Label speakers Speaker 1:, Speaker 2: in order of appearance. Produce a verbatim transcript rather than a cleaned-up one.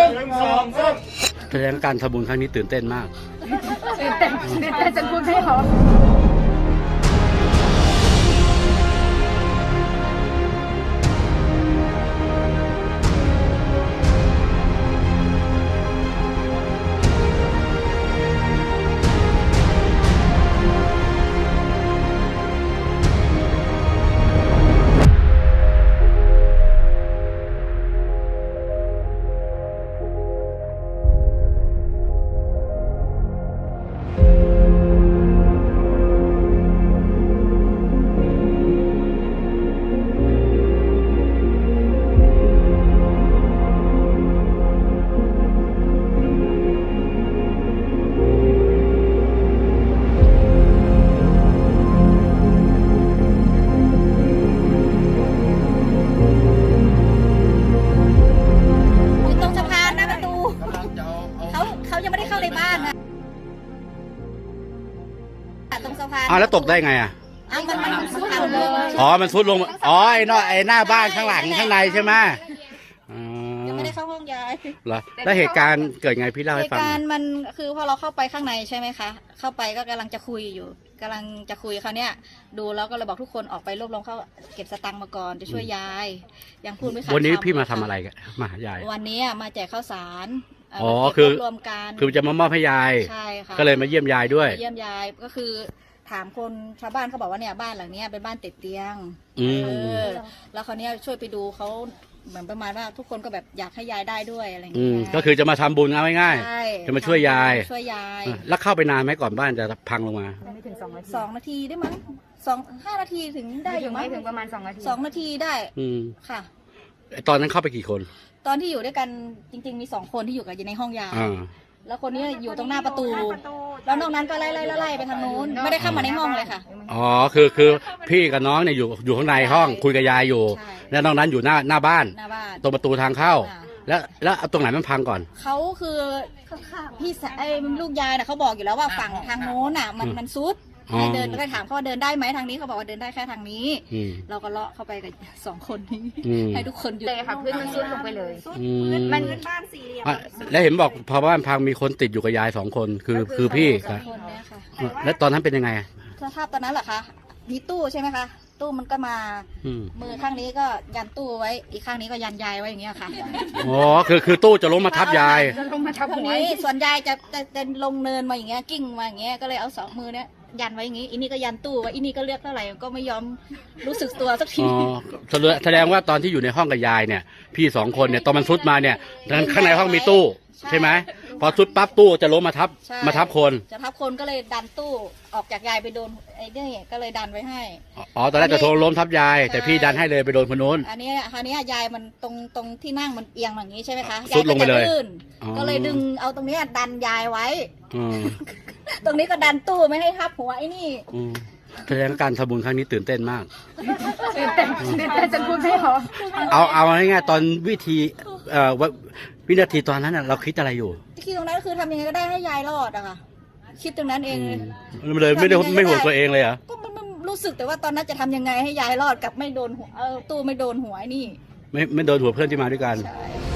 Speaker 1: แสดงการทำบุญครั้งนี้ตื่นเต้นมาก
Speaker 2: ตื่นเต้นตื่นเต้นจนพูดไม่ออก
Speaker 3: ตรงสะพาน
Speaker 1: อ้าวแล้วตกได้ไงอ่ะ
Speaker 3: อ้าวมันมันซุดเอาเลย
Speaker 1: อ๋อมันซุดลงอ๋อไอ้นอไอ้หน้าบ้านข้างหลังข้างในใช่ไหมอ๋อ
Speaker 3: ยังไม่ได้เข้าห้องยาย
Speaker 1: เหรอแล้วเหตุการณ์เกิดไงพี่เล่า
Speaker 3: เห
Speaker 1: ให้
Speaker 3: ตุ
Speaker 1: ฟังห
Speaker 3: กา
Speaker 1: น่
Speaker 3: ร
Speaker 1: อย
Speaker 3: ณ์มันคือพอเราเข้าไปข้างในใช่ไหมคะเข้าไปก็กำลังจะคุยอยู่กำลังจะคุยเขาเนี้ยดูแล้วก็เลยบอกทุกคนออกไปรวบรวมเข้าเก็บสตังค์มาก่อนจะช่วยยายยังพูดไม่ขาด
Speaker 1: วันนี้
Speaker 3: คำ
Speaker 1: พี่มาทำอะไรกันมาหายาย
Speaker 3: วันนี้มาแจกข้าวสารเ
Speaker 1: อ๋อ
Speaker 3: มาเก็บ
Speaker 1: คือ
Speaker 3: รวบรวมกัน
Speaker 1: คือจะมามอบให้ยาย
Speaker 3: ใช่ค่ะ
Speaker 1: ก็เลยมาเยี่ยมยายด้วย
Speaker 3: มาเยี่ยมยายก็คือถามคนชาวบ้านเขาบอกว่าเนี่ยบ้านหลังเนี้ยเป็นบ้านติดเตียง
Speaker 1: อืม
Speaker 3: เออแล้วเขาวเนี้ยช่วยไปดูเขาเหมือนประมาณว่าทุกคนก็แบบอยากให้ยายได้ด้วยอะไรอย่าง
Speaker 1: อื
Speaker 3: เงี้
Speaker 1: ม
Speaker 3: ย
Speaker 1: ก็คือจะมาทำบุญเอาง่าย
Speaker 3: ใช่
Speaker 1: จะมาช่วยยาย
Speaker 3: ช่วยยาย
Speaker 1: ๆแล้วเข้าไปนานไหมก่อนบ้านจะพังลงมา
Speaker 2: ไม่ถึงสองนาที
Speaker 3: สองนาทีได้มั้งสองห้านาทีถึงได้
Speaker 2: ไม่
Speaker 3: อ
Speaker 2: ถึ
Speaker 3: ยู่
Speaker 2: ง
Speaker 3: มั้
Speaker 2: ไม่
Speaker 3: ง
Speaker 2: ถึงประมาณสองนาที
Speaker 3: สองนาทีได้
Speaker 1: อืม
Speaker 3: ค่ะ
Speaker 1: ตอนนั้นเข้าไปกี่คน
Speaker 3: ตอนที่อยู่ด้วยกันจริง ๆ มีสองคนที่อยู่กันอยู่ในห้องยาย
Speaker 1: อ่า
Speaker 3: แล้วคนนี้อยู่ตรงหน้าประตู แล้วนอกนั้นก็ไล่ไล่ไล่ไล่ไปทางนู้นไม่ได้เข้ามาในห้องเลยค่ะ
Speaker 1: อ๋อคือคือพี่กับน้องเนี่ยอยู่อยู่ข้างในห้องคุยกับยายอยู่
Speaker 3: ใช่
Speaker 1: แล้วนอกนั้นอยู่หน้าหน้าบ้าน
Speaker 3: หน้าบ้าน
Speaker 1: ตรงประตูทางเข้า
Speaker 3: อ่า
Speaker 1: แล้วแล้วเอาตรงไหนมันพังก่อน
Speaker 3: เขาคือพี่สะไอ้ลูกยายน่ะเขาบอกอยู่แล้วว่าฝั่งทางโน้นน่ะ มันมันซุด
Speaker 1: อ๋อ
Speaker 3: ให้เดินก็ถามเขาว่าเดินได้ไหมทางนี้เขาบอกว่าเดินได้แค่ทางนี้
Speaker 1: อืม
Speaker 3: เราก็เลาะเข้าไปกับสองคนนี้
Speaker 1: อืม
Speaker 3: ให้ทุกคนหยุด
Speaker 2: เลยค่ะพื้นมันซุดลงไปเลย
Speaker 1: อืม
Speaker 2: มัน
Speaker 1: อ่ะแล้วเห็นบอกพอบ้านพังมีคนติดอยู่กับยายสองคนคือคือพี่
Speaker 3: สอ
Speaker 1: ค่ะ
Speaker 3: งคนเนี่ยค่ะ
Speaker 1: แล้วตอนนั้นเป็นยังไงอ่ะ
Speaker 3: สภาพตอนนั้นเหรอคะมีตู้ใช่ไหมคะตู้มันก็มา
Speaker 1: อืม
Speaker 3: มือข้างนี้ก็ยันตู้ไว้ อีกข้างนี้ก็ยันยายไว้อย่างเงี้ยค่ะ
Speaker 1: อ๋อคือคือตู้จะล้มมาทับยาย
Speaker 2: จะลงมาทับ
Speaker 3: ทาง
Speaker 2: หัว
Speaker 3: นี้ส่วนยายจะจะจะลงเนินมาอย่างเงี้ยกิ้งมาอย่างเงี้ยก็เลยเอาสองมือเนี้ยยันไว้อย่างงี้อีนี่ก็ยันตู้ไว้อีนี่ก็เลือกเท่าไหร่ก็ไม่ยอมรู้สึกตัวสักที
Speaker 1: อ๋อแสดงแสดงว่าตอนที่อยู่ในห้องกับยายเนี่ย พี่สองคนเนี่ยตอนมันซุดมาเนี่ยข้างในห้องมีตู้ใช่ไหมพอซุดปั๊บตู้จะล้มมาทับ
Speaker 3: ใช่
Speaker 1: มาทับคน
Speaker 3: จะทับคนก็เลยดันตู้ออกจากยายไปโดนไอ้นี่ก็เลยดันไว้ให้
Speaker 1: อ๋อตอนแรกจะโทรล้มทับยาย แต่พี่ดันให้เลยไปโดนคนนู้น
Speaker 3: อันนี้คราวนี้ยายมันตรงตรงที่นั่งมันเอียงอย่างนี้ใช่ไหมคะ
Speaker 1: ซุ
Speaker 3: ยาย
Speaker 1: ดล
Speaker 3: ก็
Speaker 1: งไป
Speaker 3: จะ
Speaker 1: เลย
Speaker 3: ลื่น
Speaker 1: อ๋อ
Speaker 3: ก็เลยดึงเอาตรงเนี้ยดันยายไว้
Speaker 1: อืม
Speaker 3: ตรงนี้ก็ดันตู้ไม่ให้ทับหัวไอ้นี่
Speaker 1: อืมแสดงการทำบุญครั้งนี้ตื่นเต้นมาก
Speaker 2: ตื่นเต้นตื่นเต้นจนพูดไม่ออก
Speaker 1: เอาเอาง่ายๆตอนวิธีเอ่อววินาทีตอนนั้นน่ะเราคิดอะไรอยู่
Speaker 3: คิดตรงนั้นคือทำยังไงก็ได้ให้ยายรอดอะค่ะ คิดตรงนั้นเอง
Speaker 1: อืมเลยไม่ได้ไม่ห่วงตัวเองเลยเหรอ
Speaker 3: ก็มันมันรู้สึกแต่ว่าตอนนั้นจะทำยังไงให้ยายรอดกับไม่โดนหัวเออตู้ไม่โดนหัวไอ้นี่
Speaker 1: ไม่ไม่โดนหัวเพื่อนที่มาด้วยกัน
Speaker 3: ใช่